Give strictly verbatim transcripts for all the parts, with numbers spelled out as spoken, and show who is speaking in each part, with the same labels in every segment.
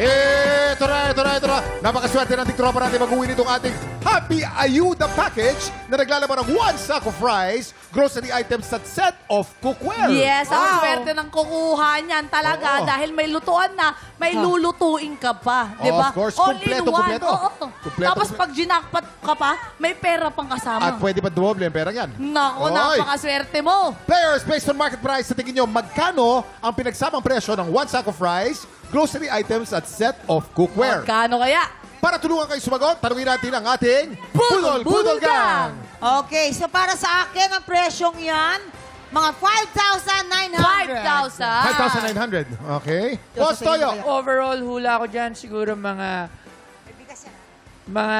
Speaker 1: Ito na, ito na, ito na. Napakaswerte ng tiktropa natin mag-uwi nitong ating Happy Ayuda Package na naglalaman ng one sack of rice, grocery items at set of cookware.
Speaker 2: Yes, ang
Speaker 3: Wow.
Speaker 2: swerte ng kukuha niyan talaga
Speaker 1: Oo.
Speaker 2: dahil may lutuan na, may lulutuin ka pa. Di
Speaker 1: Oh,
Speaker 2: ba?
Speaker 1: of course.
Speaker 2: All
Speaker 1: Kumpleto,
Speaker 2: in one.
Speaker 1: kumpleto.
Speaker 2: Oo.
Speaker 1: Kumpleto,
Speaker 2: Tapos
Speaker 1: kumpleto.
Speaker 2: pag ginakpat ka pa, may pera pang kasama.
Speaker 1: At pwede pa dumoble ang pera yan.
Speaker 2: Nako,
Speaker 1: Oy.
Speaker 2: napakaswerte mo.
Speaker 1: Players, based on market price, sa tingin nyo, magkano ang pinagsamang presyo ng one sack of rice, grocery items at set of cookware?
Speaker 2: Magkano kaya?
Speaker 1: Para tulungan kayo sumagot, tanungin natin ang ating
Speaker 2: Budol, Budol Gang!
Speaker 3: Okay, so para sa akin, ang presyong yan, mga five thousand nine hundred.
Speaker 2: five thousand.
Speaker 1: five thousand nine hundred. Okay. Boss Toyo.
Speaker 4: Overall, hula ko dyan siguro mga mga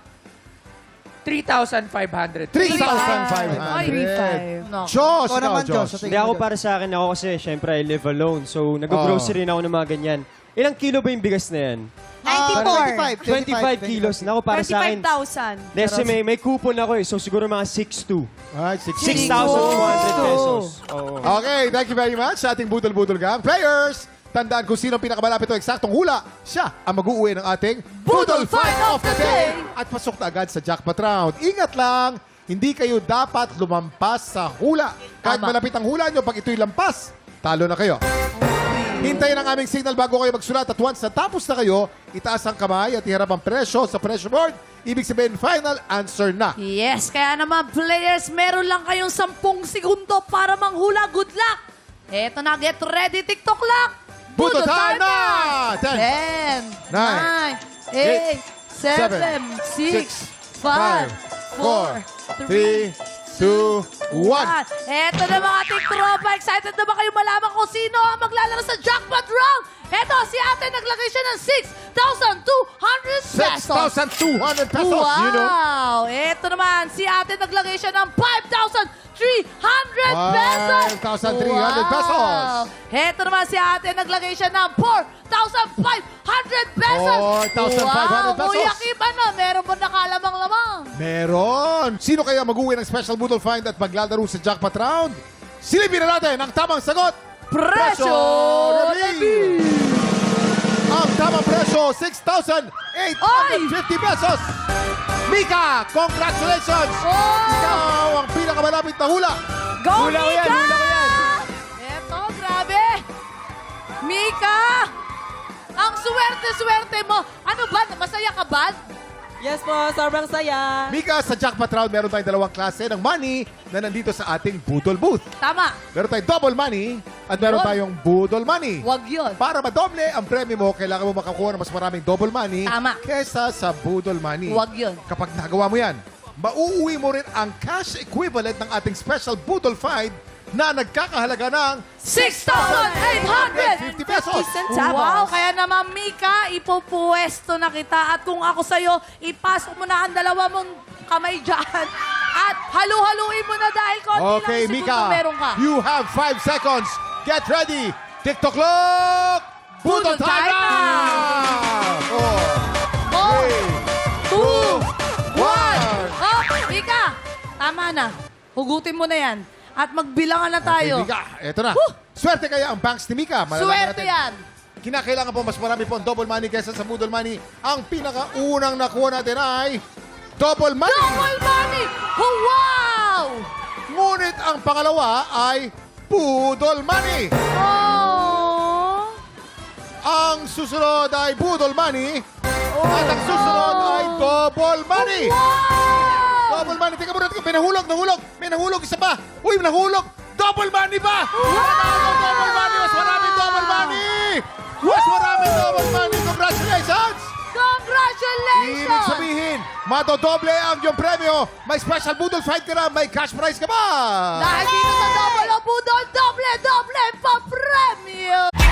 Speaker 4: three thousand five hundred.
Speaker 1: three thousand five
Speaker 2: Ay,
Speaker 1: hundred.
Speaker 2: no.
Speaker 1: Josh,
Speaker 5: Ikaw
Speaker 1: ikaw,
Speaker 5: naman,
Speaker 1: Josh.
Speaker 5: Josh.
Speaker 6: Hindi ako para sa akin, ako kasi syempre I live alone. So nag-grocery na ako ng mga ganyan. Ilang kilo ba yung bigas na yan?
Speaker 3: ninety-four.
Speaker 6: twenty-five kilos. Nako para sa akin.
Speaker 2: twenty-five thousand.
Speaker 6: Kasi may, may coupon ako eh. So siguro mga six two.
Speaker 1: Ay, six
Speaker 6: six thousand two hundred pesos. Oo.
Speaker 1: Okay, thank you very much sa ating Budol-Budol Gang. Players, tandaan kung sino ang pinakamalapit o eksaktong hula. Siya ang mag-uuwi ng ating
Speaker 2: Budol Fight of the Day.
Speaker 1: At pasok na agad sa jackpot round. Ingat lang, hindi kayo dapat lumampas sa hula. Kahit
Speaker 2: Tama.
Speaker 1: malapit ang hula nyo, pag ito'y lampas, talo na kayo. Hintayin ang aming signal bago kayo magsulat at once natapos na kayo, itaas ang kamay at iharap ang presyo sa pressure board. Ibig sabihin, final answer na.
Speaker 2: Yes, kaya naman players, meron lang kayong sampung segundo para manghula. Good luck! Eto na, get ready, TikTok clock!
Speaker 1: Budol time na! ten,
Speaker 2: ten,
Speaker 1: nine,
Speaker 2: nine, eight, seven, six, five, four, three,
Speaker 1: two, one.
Speaker 2: Eto na mga tiktropa. Excited na ba kayo malaman kung sino ang maglalaro sa jackpot round? Eto, si ate naglagay siya ng six thousand two hundred
Speaker 1: six
Speaker 2: pesos.
Speaker 1: thousand two hundred pesos.
Speaker 2: Wow!
Speaker 1: You know?
Speaker 2: Eto naman, si ate naglagay siya ng five thousand three hundred pesos.
Speaker 1: five thousand three hundred pesos.
Speaker 2: Eto naman, si ate naglagay siya ng four thousand five hundred pesos.
Speaker 1: four thousand five hundred
Speaker 2: Wow!
Speaker 1: pesos.
Speaker 2: Kuya Kim, ano? Meron ba nakalamang-lamang?
Speaker 1: Meron. Sino kaya mag-uwi ng special Budol Find at maglalaro sa jackpot round? Silipin na natin ang tamang sagot.
Speaker 2: Presyo
Speaker 1: reveal! Ang tamang presyo, six thousand eight hundred fifty pesos. Mika, congratulations!
Speaker 2: Oh!
Speaker 1: Ikaw ang pinakamalapit na hula.
Speaker 2: Go,
Speaker 6: Hula ko
Speaker 2: Mika!
Speaker 6: yan, hula ko yan.
Speaker 2: Eto, grabe! Mika! Ang swerte-swerte mo! Ano ba? Masaya ka ba?
Speaker 7: Yes po, sobrang saya.
Speaker 1: Mika, sa jackpot round, meron tayong dalawang klase ng money na nandito sa ating Budol Booth.
Speaker 2: Tama.
Speaker 1: Meron tayong double money at meron
Speaker 2: Yun.
Speaker 1: tayong Budol money.
Speaker 2: Wag yun.
Speaker 1: Para madoble ang premyo mo, kailangan mo makakuha ng mas maraming double money
Speaker 2: Tama.
Speaker 1: kesa sa Budol money.
Speaker 2: Wag yun.
Speaker 1: Kapag nagawa mo yan, mauuwi mo rin ang cash equivalent ng ating special Budol Find na nagkakahalaga ng
Speaker 2: six thousand eight hundred
Speaker 1: fifty pesos.
Speaker 2: Wow! Kaya naman, Mika, ipupuwesto na kita. At kung ako sa'yo, ipasok mo na ang dalawa mong kamay dyan. At halu-haluin mo na dahil konti
Speaker 1: Okay,
Speaker 2: lang
Speaker 1: Mika,
Speaker 2: segundo meron ka.
Speaker 1: you have five seconds. Get ready. TikTok clock. Budol
Speaker 2: Budol
Speaker 1: time
Speaker 2: time
Speaker 1: na! Four,
Speaker 2: Oh,
Speaker 1: three,
Speaker 2: two,
Speaker 1: one.
Speaker 2: Oh, Mika, tama na. Hugutin mo na yan. At magbilangan na tayo.
Speaker 1: Okay, Mika, eto na.
Speaker 2: Woo!
Speaker 1: Swerte kaya ang banks ni Mika. Malalaman
Speaker 2: Swerte
Speaker 1: natin.
Speaker 2: yan.
Speaker 1: Kinakailangan po mas marami po ang double money kaysa sa Budol money. Ang pinakaunang nakuha natin ay double money.
Speaker 2: Double money! Oh, wow!
Speaker 1: Ngunit ang pangalawa ay Budol money.
Speaker 2: Oh!
Speaker 1: Ang susunod ay Budol money. At ang susunod ay double money.
Speaker 2: Wow!
Speaker 1: Double money. Tingnan mo natin. May nahulog, nahulog. May nahulog. Isa pa. Uy, may nahulog. Double money ba? Wow! Double money. Mas maraming double money. Mas maraming double money. Congratulations!
Speaker 2: Congratulations!
Speaker 1: Ibig sabihin, madodoble ang iyong premyo. May special Budol Fight ka na. May cash prize ka ba?
Speaker 2: Dahil dito sa Double o Budol, doble, doble pa premyo!